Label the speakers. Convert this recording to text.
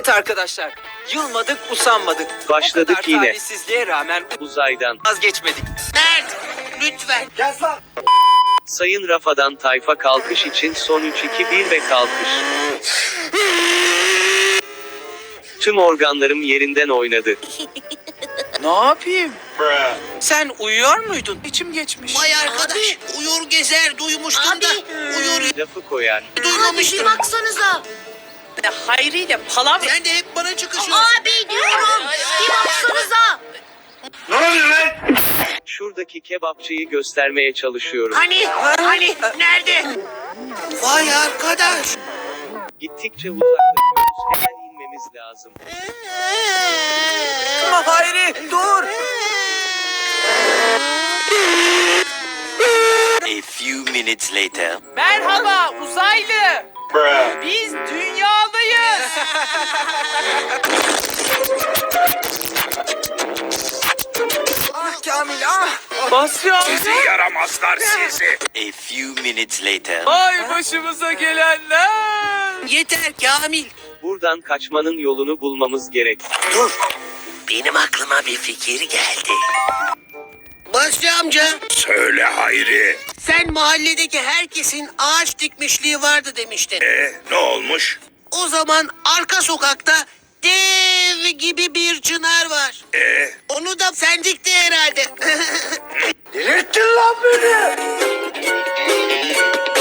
Speaker 1: Evet arkadaşlar, yılmadık, usanmadık.
Speaker 2: Başladık
Speaker 1: O kadar
Speaker 2: yine.
Speaker 1: talihsizliğe rağmen
Speaker 2: Uzaydan.
Speaker 1: vazgeçmedik.
Speaker 3: Mert, lütfen.
Speaker 2: Sayın Rafa'dan tayfa kalkış için son 3-2-1 ve kalkış. Tüm organlarım yerinden oynadı.
Speaker 1: Ne yapayım? Sen uyuyor muydun? İçim geçmiş.
Speaker 3: Vay arkadaş, uyur gezer duymuştum da uyur
Speaker 2: Lafı koyar.
Speaker 3: duymamıştım.
Speaker 4: baksanıza.
Speaker 1: Hayri ile palavra.
Speaker 3: Sen de hep bana çıkışıyorsun.
Speaker 4: Abi diyorum. Bir baksanıza.
Speaker 2: Şuradaki kebapçıyı göstermeye çalışıyorum.
Speaker 3: Hani, nerede? Vay arkadaş.
Speaker 2: Gittikçe uzaklaşıyoruz. Hemen inmemiz lazım.
Speaker 1: Ama Hayri, dur.
Speaker 5: A few minutes later.
Speaker 1: Merhaba uzaylı. Biz dünyalıyız. Ah Kamil ah. Basya.
Speaker 5: Yaramazlar sizi. A few minutes later.
Speaker 1: Ay başımıza gelenler.
Speaker 3: Yeter Kamil.
Speaker 2: Buradan kaçmanın yolunu bulmamız gerek.
Speaker 3: Dur. Benim aklıma bir fikir geldi. Basri amca,
Speaker 5: Söyle Hayri.
Speaker 3: sen mahalledeki herkesin ağaç dikmişliği vardı demiştin.
Speaker 5: Ne olmuş?
Speaker 3: O zaman arka sokakta dev gibi bir çınar var. Onu da sen dikti herhalde.
Speaker 5: Delirttin lan beni.